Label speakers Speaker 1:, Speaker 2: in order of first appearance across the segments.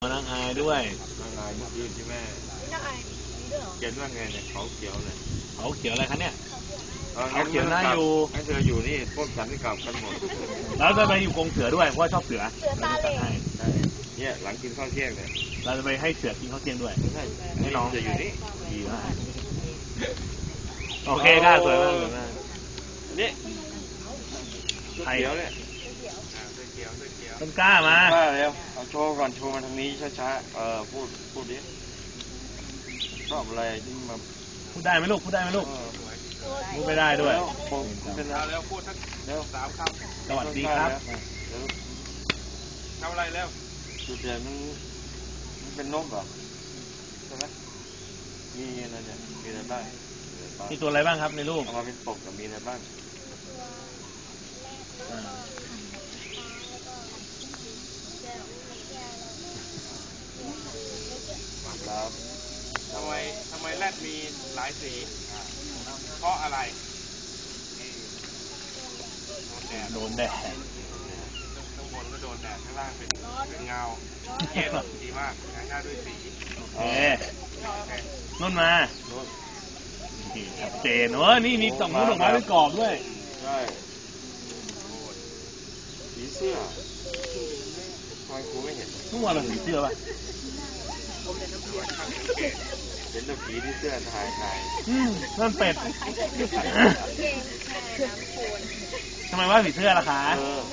Speaker 1: นางอายด้วย
Speaker 2: นางอายเมื่อคืนที่แม่
Speaker 3: นางอายนี่ด้วยเหรอ
Speaker 2: เขียนว่าไงเนี่ยเขาเขียวเนี่ย
Speaker 1: เขาเขียวอะไรคะเนี่ย
Speaker 2: เขาเขียวน่าอยู่ให้เธออยู่นี่พวกฉันที่กลับกันหมด
Speaker 1: แล้วจะไปอยู่กรงเสือด้วยเพราะชอบเสือ
Speaker 3: ตาเหล่
Speaker 2: เนี่ยหลังกินข้าวเที่ยงเนี่ย
Speaker 1: เราจะไปให้เสือกินข้าวเที่ยงด้วย
Speaker 2: ให้น้องจะอยู่นี่
Speaker 1: ดีมากโอเคกล้าสวยมาก
Speaker 2: นี่เขียวเนี่ย
Speaker 1: ต้นกล้ามา
Speaker 2: เร็วเอาโชว์ก่อนโชว์มาทางนี้ช้าๆพูดดิชอบอะไรที่มา
Speaker 1: พูดได้ไหมลูกพูดได้ไหมลูกพูดไม่ได้ด้วย
Speaker 2: เป็นแล้วพูดสักเร็ว3 ค
Speaker 1: ำสวัสดีครับ
Speaker 2: ทำอะไรแล้วจุดเด่นมันเป็นนกเหรอใช่ไหมมีอะไรเนี่ยมีอะไรบ้าง
Speaker 1: มีตัวอะไรบ้างครับในรูป
Speaker 2: เอามาเป็นปกกับมีอะไรบ้างครับ
Speaker 4: ทำไมแรดมีหลายสีเพราะอะไร
Speaker 1: โดนแดด
Speaker 4: ข้างบนก็โดนแดดข้างล่างเป็นเงาเย็นดีมากหน้าด้วยสี
Speaker 1: โอเคนุ่นมาชัดเจนนี่มี2 ลูกดอกไม้เป็นกรอบด้วย
Speaker 2: ใช่ผีเสื้อทำไมครูไม่เห็น
Speaker 1: ทุกวันเราผีเสื้อป่ะ
Speaker 2: เห็นแต่ผีที่เสื้อถ่าย
Speaker 1: นั่นเป็ดทำไมว่าผีเสื้อล่ะคะ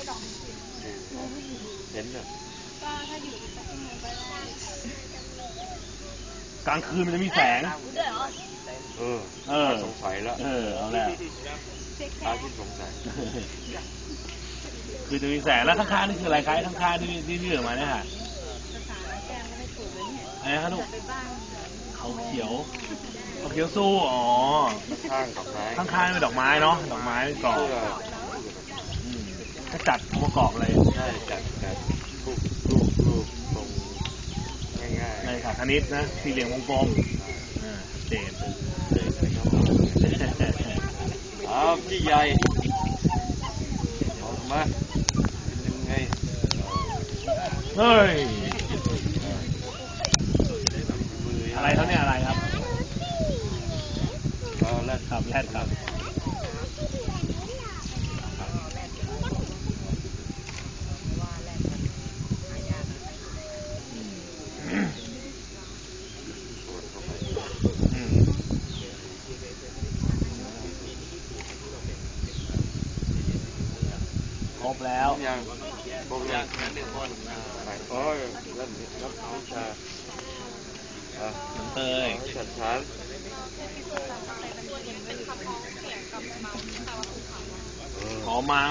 Speaker 2: เห็นเหร
Speaker 1: อกลางคืนมันจะมีแสง
Speaker 2: สงสัยแล้ว
Speaker 1: เอาแล้ว
Speaker 2: ตาที่สงสัย
Speaker 1: คือจะมีแสงแล้วข้างๆนี่คืออะไรคะข้างๆที่เหลือมาเนี่ยค่ะอะไรครับลูกเขาเขียวสู้ข้างๆเป็นดอกไม้เนาะดอกไม้กรอบถ้าจัดประกอบอะไร
Speaker 2: ใช่จัดรูปตรงง่ายๆ
Speaker 1: ในสาคณิตนะสี่เหลี่ยมวงกลมเด่น
Speaker 2: พี่ใหญ่ออกมาเป็นยังไง
Speaker 1: เฮ้ยอะไรเขาเนี่ยอะไรครับ
Speaker 2: แรดครับ
Speaker 1: ครบแล้ว
Speaker 2: ยัง1 คนโอ้ยรับวิชา
Speaker 1: น้องเตย
Speaker 2: ฉันชั้น
Speaker 1: ขอเมา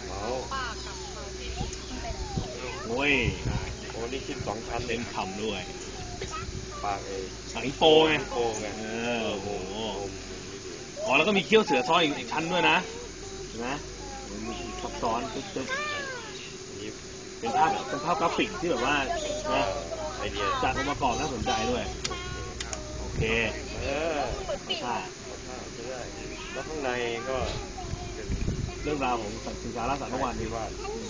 Speaker 1: โอ้ย
Speaker 2: นี่คิด2 ชั้น
Speaker 1: เต็มคำด้วย
Speaker 2: ปาก
Speaker 1: สังโปไง
Speaker 2: โอ้โห
Speaker 1: แล้วก็มีเขี้ยวเสือซ้อนอีกชั้นด้วยนะเห็นไหมมีซับซ้อนตึ๊บเป็นภาพกราฟิกที่แบบว่าจัดองค์ประกอบน่าสนใจด้วยโอเคใช่
Speaker 2: แล้วข้างในก็
Speaker 1: เรื่องราวของสินค้าล่าสัตว์เมื่อวานนี้ว่า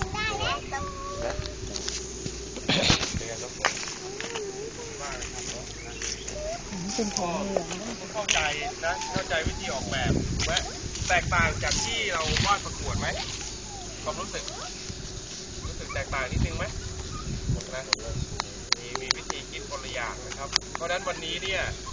Speaker 3: เป็นของเหลือง
Speaker 4: เข้าใจวิธีออกแบบไหมแตกต่างจากที่เราวาดประกวดไหมความรู้สึกแตกต่างนิดนึงไหมนะมีวิธีคิดคนละอย่างนะครับเพราะฉะนั้นวันนี้เนี่ย